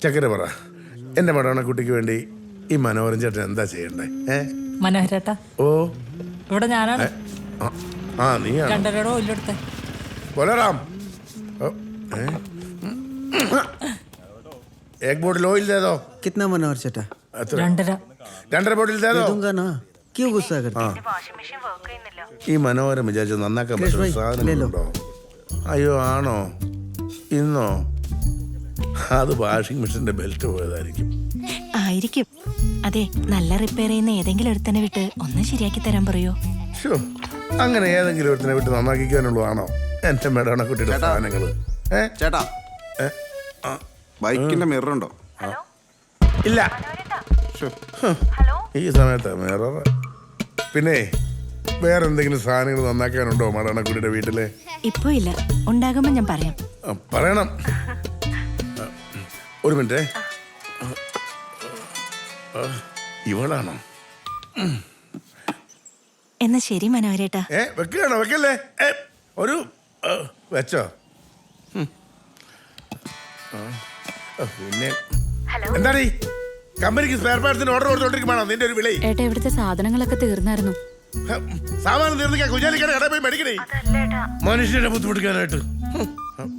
ചക്കര പറ, എന്റെ മടവണക്കുട്ടിക്ക് വേണ്ടി ഈ മനോഹരൻ ചേട്ടൻ എന്താ ചെയ്യണ്ടേ? മനോഹരേട്ടാ, ഓ ഇവിടെ ഞാനാണ്. ആ നീയാണ്. 2.5 ഓയിലെടുത്തേ. बोलाराम एक बोतल ऑयल दे दो। कितना मनोहर चटा? 2.5. 2.5 बोतल दे दो। दूंगा ना, क्यों गुस्सा करते? ഈ മനോഹരം വിചാരിച്ചു നന്നാക്കാൻ പറ്റുന്ന സാധനങ്ങളുണ്ടോ? അയ്യോ ആണോ? ഇന്നോ? അത് വാഷിംഗ് മെഷീന്റെ ബെൽറ്റ് പോയതായിരിക്കും. ആയിരിക്കും. അതെ, നല്ല റിപ്പയർ ചെയ്യുന്ന ഏതെങ്കിലും ഒരുത്തനെ വിട്ട് ഒന്ന് ശരിയാക്കി തരാൻ പറയോ? അങ്ങനെ ഏതെങ്കിലും ഒരുത്തിനെ വിട്ട് നന്നാക്കിക്കാനുള്ളതാണോ എന്റെ മേടവണക്കുട്ടിയുടെ സാധനങ്ങള്? ചേട്ടാ, ബൈക്കിന്റെ മിറർ ഉണ്ടോ? ഇല്ല. ഈ സമയത്ത് മിറർ. പിന്നെ വേറെ എന്തെങ്കിലും സാധനങ്ങൾ നന്നാക്കാനുണ്ടോ മേടവണക്കുട്ടിയുടെ വീട്ടില്? ഇപ്പൊ ഇല്ല, ഉണ്ടാകുമ്പോ ഞാൻ പറയാം. പറയണം. ഒരു മിനിറ്റ്. ഇവളാണോ? എന്നാ ശരി മനോഹരേട്ടാ. വെക്കുകയാണോ? വെക്കല്ലേ. ഒരു വെച്ചോ. പിന്നെ എന്താണ് ഈ കമ്പനിക്ക് സ്പെയർ പാർട്സിന് ഓർഡർ കൊടുത്തോണ്ടിരിക്കുവാണോ നിന്റെ ഒരു വിളി? ഏട്ടാ, ഇവിടുത്തെ സാധനങ്ങളൊക്കെ തീർന്നായിരുന്നു. സാമാനം തീർന്നിക്കാൻ കുഞ്ഞാലിക്കട കടയിൽ പോയി മേടിക്കണേ മനുഷ്യനെ ബുദ്ധിമുട്ടിക്കാനായിട്ട്.